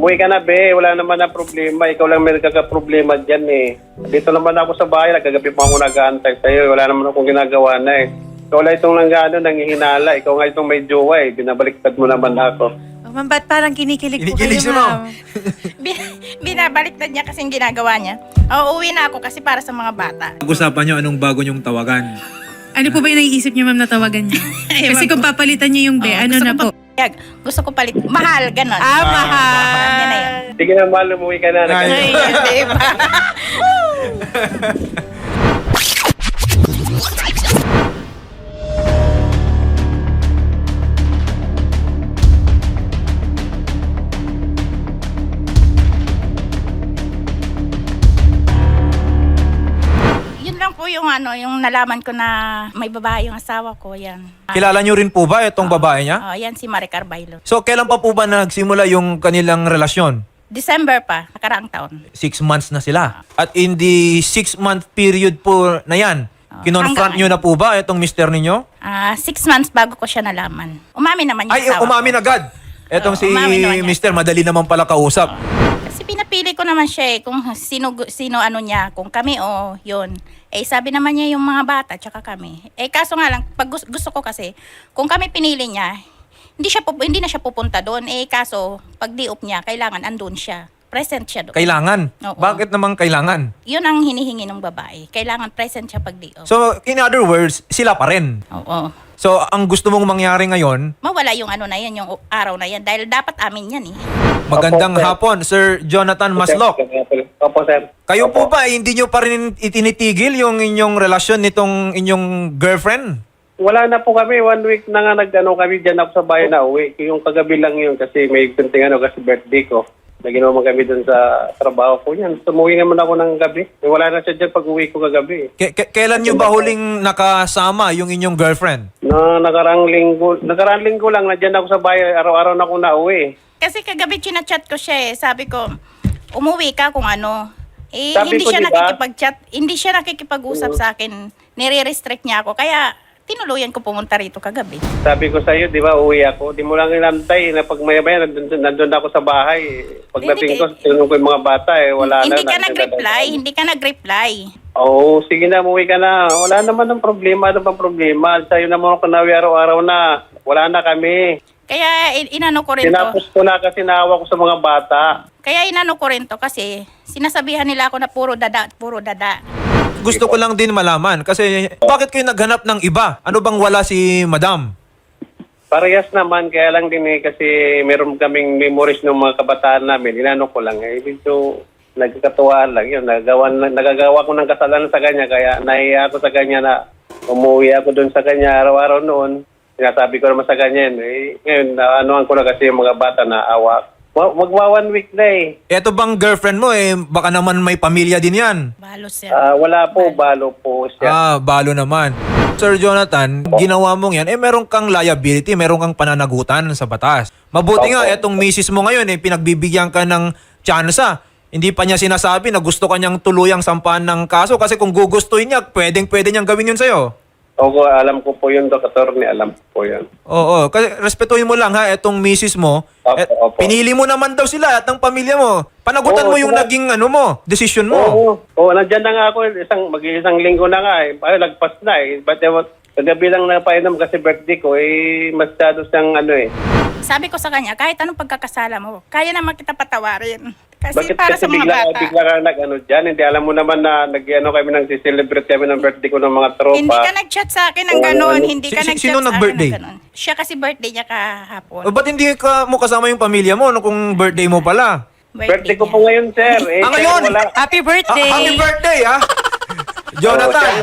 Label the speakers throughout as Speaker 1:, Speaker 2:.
Speaker 1: Umuwi ka na, be. Wala naman na problema. Ikaw lang may nagkakaproblema dyan eh. Dito naman ako sa bahay. Nagkagabi pa ako nag-aantay sa'yo. Wala naman akong ginagawa na eh. Ikaw lang itong nanghihinala. Ikaw nga itong may jowa eh. Binabaliktad mo naman ako.
Speaker 2: Oh, ma'am, ba't parang kinikilig po
Speaker 3: Kinikilig si
Speaker 2: kayo,
Speaker 3: ma'am.
Speaker 2: ma'am?
Speaker 4: Binabaliktad niya kasing ginagawa niya. Uuwi na ako kasi para sa mga bata.
Speaker 3: Pag-usapan nyo anong bago nyong tawagan.
Speaker 2: Ano po ba yung naiisip niyo, ma'am, na tawagan niyo? Kasi kung papalitan niyo yung be, ano
Speaker 4: gusto
Speaker 2: na
Speaker 4: ko
Speaker 2: po?
Speaker 4: Gusto ko palit. Mahal, ganon.
Speaker 2: Mahal.
Speaker 4: Yan na yun.
Speaker 1: Sige na, mahal. Umuwi ka na.
Speaker 3: Ay.
Speaker 4: Diba? Yun lang po yung yung nalaman ko na may babae yung asawa ko, yan.
Speaker 3: Kilala nyo rin po ba itong babae niya?
Speaker 4: Oh, yan si Maricar Bailo.
Speaker 3: So, kailan pa po ba nagsimula yung kanilang relasyon?
Speaker 4: December pa, nakaraang taon.
Speaker 3: 6 months na sila. At in the 6-month period po na yan, kinonfront nyo
Speaker 4: hanggang
Speaker 3: na po ba itong mister ninyo?
Speaker 4: 6 months bago ko siya nalaman. Umamin naman yung
Speaker 3: Ay,
Speaker 4: asawa
Speaker 3: umamin
Speaker 4: ko.
Speaker 3: agad. Etong
Speaker 4: Oo,
Speaker 3: si
Speaker 4: umamin naman niya.
Speaker 3: mister, madali naman pala kausap.
Speaker 4: Kasi pinapili ko naman siya kung sino ano niya, kung kami o yun. Sabi naman niya yung mga bata tsaka kami. Kaso nga lang, pag gusto ko kasi, kung kami pinili niya, hindi na siya pupunta doon. Kaso, pag di-up niya, kailangan andun siya. Present siya doon.
Speaker 3: Kailangan.
Speaker 4: Oo.
Speaker 3: Bakit naman kailangan?
Speaker 4: Yun ang hinihingi ng babae. Kailangan present siya pag di-up.
Speaker 3: So, in other words, sila pa rin.
Speaker 4: Oo.
Speaker 3: So, ang gusto mong mangyari ngayon,
Speaker 4: Mawala yung ano na yan, yung araw na yan. Dahil dapat amin yan eh.
Speaker 3: magandang
Speaker 1: Opo, sir.
Speaker 3: hapon, Sir Jonathan Maslok.
Speaker 1: Opo, sir.
Speaker 3: Kayo
Speaker 1: Opo.
Speaker 3: po ba, hindi nyo pa rin itinitigil yung inyong relasyon nitong inyong girlfriend?
Speaker 1: Wala na po kami. 1 week na nga kami dyan ako sa bahay na uwi. Yung kagabi lang yun kasi may kunting kasi birthday ko. Naginawa kami dun sa trabaho ko yan. Tumuwi naman ako ng gabi. Wala na siya dyan pag uwi ko kagabi.
Speaker 3: Kailan nyo ba huling nakasama yung inyong girlfriend?
Speaker 1: Nakarang linggo lang, nandiyan ako sa bahay. Araw-araw na ako nauwi.
Speaker 4: Kasi kagabi chinachat ko siya eh. Sabi ko, umuwi ka kung ano.
Speaker 1: Sabi
Speaker 4: Hindi
Speaker 1: ko,
Speaker 4: siya
Speaker 1: diba?
Speaker 4: nakikipag-chat. Hindi siya nakikipag-usap sa akin. Nire-restrict niya ako. Kaya tinuluyan ko pumunta rito kagabi.
Speaker 1: Sabi ko sa'yo, di ba, uwi ako. Di mo lang inantay na pag maya-maya, nandun ako sa bahay. Pagdating ko, tinanong ko yung mga bata, wala na.
Speaker 4: Hindi ka nag-reply. Hindi ka nag-reply.
Speaker 1: Oo, sige na, umuwi ka na. Wala naman ng problema. Ano bang problema? Sa'yo naman ako nawi araw-araw na. Wala na kami.
Speaker 4: Kaya inano ko rin to.
Speaker 1: Tinapos ko na kasi naawa ko sa mga bata.
Speaker 4: Kaya inano ko rin to kasi sinasabihan nila ako na puro dada at puro dada.
Speaker 3: Gusto ko lang din malaman kasi bakit kayo naghanap ng iba? Ano bang wala si madam?
Speaker 1: Parehas naman, kaya lang din kasi meron kaming memories ng mga kabataan namin. Inano ko lang medyo nagkakatuwaan lang yun. Nagagawa ko ng kasalanan sa kanya, kaya nahiya ako sa kanya na umuwi ako doon sa kanya araw-araw noon. Sinasabi ko naman sa kanya ngayon, anuhan ko na kasi yung mga bata na awa. Magwa 1 week na
Speaker 3: Eto bang girlfriend mo baka naman may pamilya din yan.
Speaker 4: Balos yan.
Speaker 1: Wala po, balo po siya.
Speaker 3: Balo naman. Sir Jonathan, ginawa mong yan, meron kang liability, meron kang pananagutan sa batas. Mabuti nga, etong misis mo ngayon, pinagbibigyan ka ng tsansa. Hindi pa niya sinasabi na gusto kanyang tuluyang sampahan ng kaso kasi kung gugustuhin niya, pwedeng-pwede niyang gawin yun sa'yo.
Speaker 1: Opo, alam ko po yun, Dr. Alam ko po yun.
Speaker 3: Oo, kasi respetuhin mo lang etong misis mo.
Speaker 1: Opo.
Speaker 3: Pinili mo naman daw sila at ng pamilya mo. Panagutan
Speaker 1: Oo,
Speaker 3: mo yung
Speaker 1: sila.
Speaker 3: naging decision mo.
Speaker 1: Oo, nandiyan na nga ako. Mag-isang linggo na nga lagpas na But kagabi lang napainom kasi birthday ko, masyado siyang
Speaker 4: Sabi ko sa kanya, kahit anong pagkakasala mo, kaya naman kita patawarin. Kasi
Speaker 1: Bakit
Speaker 4: para
Speaker 1: kasi
Speaker 4: sa mga bata.
Speaker 1: bigla ka dyan? Hindi alam mo naman na kami celebrate kami ng birthday ko ng mga tropa.
Speaker 4: Hindi ka nag-chat sa akin ng
Speaker 1: Oo,
Speaker 4: gano'n.
Speaker 1: ano?
Speaker 4: Hindi ka nag-chat
Speaker 3: Sino
Speaker 4: sa akin
Speaker 3: nag-birthday?
Speaker 4: ng gano'n. Siya kasi birthday niya kahapon.
Speaker 3: Ba't hindi mo kasama yung pamilya mo kung birthday mo pala?
Speaker 1: Birthday ko
Speaker 4: niya.
Speaker 1: po ngayon, sir.
Speaker 3: Ngayon?
Speaker 1: Wala.
Speaker 2: Happy birthday!
Speaker 3: Happy birthday, Jonathan!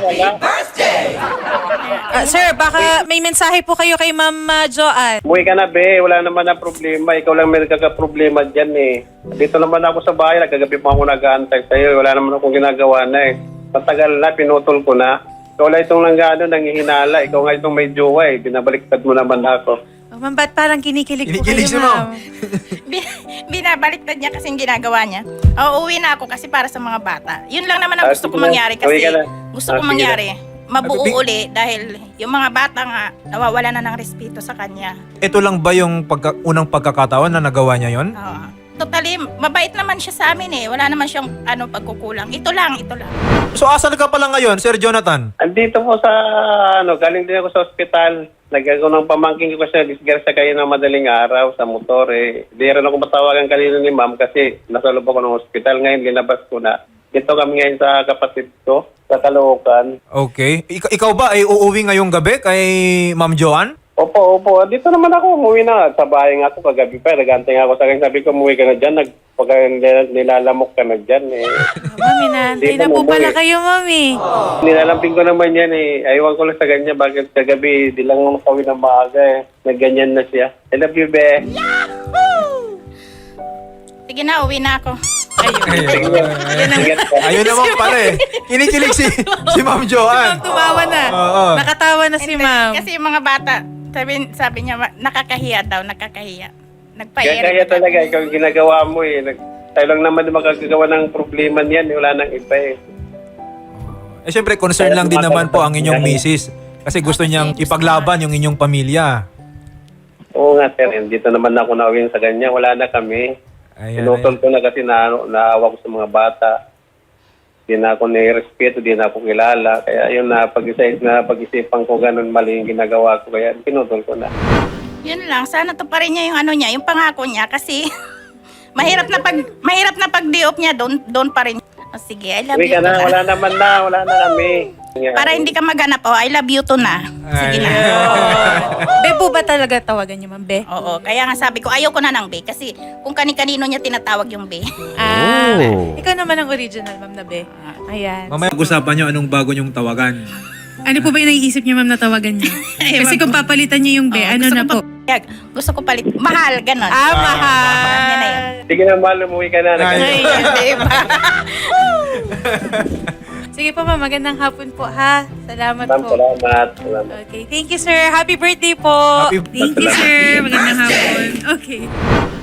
Speaker 2: Sir, baka may mensahe po kayo kay Ma'am Joanne.
Speaker 1: Umuwi ka na, be. Wala naman na problema. Ikaw lang may nagkakaproblema dyan Dito naman ako sa bahay. Nagkagabi pa ako nag-aantay sa'yo. Wala naman akong ginagawa na Matagal na, pinutol ko na. Ikaw lang itong nanghihinala. Ikaw nga itong may jowa Binabaliktad mo naman ako.
Speaker 2: Oh, ma'am, ba't parang kinikilig po
Speaker 3: Kinikilig si
Speaker 2: kayo,
Speaker 3: ma'am.
Speaker 4: Binabaliktad niya kasing ginagawa niya. Uuwi na ako kasi para sa mga bata. Yun lang naman ang gusto ko
Speaker 1: sige na.
Speaker 4: mangyari
Speaker 1: Uwi
Speaker 4: kasi
Speaker 1: ka na.
Speaker 4: gusto ko
Speaker 1: Sige
Speaker 4: mangyari. Mabuo
Speaker 3: Big-
Speaker 4: uli dahil yung mga bata nga nawawala na ng respeto sa kanya.
Speaker 3: Ito lang ba yung unang pagkakataon na nagawa niya yon?
Speaker 4: Oo. Totally, mabait naman siya sa amin eh. Wala naman siyang pagkukulang. Ito lang.
Speaker 3: So asan ka pala ngayon, Sir Jonathan?
Speaker 1: Andito po sa, galing din ako sa ospital. Nagagawa ng pamangking ko siya, disgrasya kayo ng madaling araw sa motor eh. Di rin ako matawagan kanina ni ma'am kasi nasa loob ako ng ospital. Ngayon, linabas ko na. Dito kami ngayon sa kapatid ko, sa Caloocan.
Speaker 3: Okay. Ikaw ba ay uuwi ngayong gabi kay Ma'am Joanne?
Speaker 1: Opo. Dito naman ako, umuwi na. Sa bahay nga ako kagabi pa. Nagantay nga ako sa kanya. Sabi ko, umuwi ka na dyan. Pag nilalamok ka na dyan eh.
Speaker 2: Mami, naantay na po pala kayo, Mami.
Speaker 1: Nilalamping ko naman yan eh. Ayawan ko lang sa kanya. Bakit kagabi, di lang makawin ng maaga eh. Nagganyan na siya. I love you, be.
Speaker 4: Sige na, uwi na ako.
Speaker 3: Ayun naman pala eh. Kinikilig si Ma'am Joanne.
Speaker 2: Ma'am, tumawa na.
Speaker 3: Oo.
Speaker 2: Nakatawa na si Ma'am.
Speaker 4: Kasi yung mga bata, sabi niya, nakakahiya daw. Nagpa-air.
Speaker 1: Kaya talaga, ikaw yung ginagawa mo eh. Tayo lang naman makagagawa ng problema niyan. Wala nang iba eh.
Speaker 3: Eh syempre, concern lang din naman po ang inyong misis. Kasi gusto niyang ipaglaban yung inyong pamilya.
Speaker 1: Oo nga, sir. Dito naman ako nawin sa kanya. Wala na kami. Pinutol ko na kasi naawa ko sa mga bata. Di na ako nirespeto, di na ako kilala. Kaya yun pag-isipan ko ganun mali yung ginagawa ko. Kaya pinutol ko na.
Speaker 4: Yun lang, sana to pa rin niya yung pangako niya kasi mahirap na pag-diop niya doon pa rin. Oh, sige, I love
Speaker 1: Uwi
Speaker 4: you
Speaker 1: ka na,
Speaker 4: to
Speaker 1: wala na kami.
Speaker 4: Para hindi ka maganap, I love you to na. Sige na.
Speaker 2: Be po ba talaga tawagan niyo, Ma'am Be?
Speaker 4: Oo, kaya nga sabi ko, ayoko na ng Be kasi kung kani-kanino niya tinatawag yung Be.
Speaker 2: Ikaw naman ang original, Ma'am na Be. Ayan.
Speaker 3: Mamaya pag-usapan niyo anong bago niyong tawagan.
Speaker 2: Ano po ba yung naiisip niyo, Ma'am, na tawagan niyo? Kasi kung papalitan niyo yung Be, ano na po?
Speaker 4: Gusto ko palit. Mahal, ganon.
Speaker 2: Mahal.
Speaker 4: Yan na yun.
Speaker 1: Sige na, mahal, umuwi ka na.
Speaker 2: Ay,
Speaker 4: Diba?
Speaker 2: sige po, Ma'am. Magandang hapon po, ha? Salamat po.
Speaker 1: Salamat.
Speaker 2: Okay. Thank you, sir. Happy birthday po.
Speaker 3: Happy-
Speaker 2: Thank you, sir. Magandang hapon. Okay.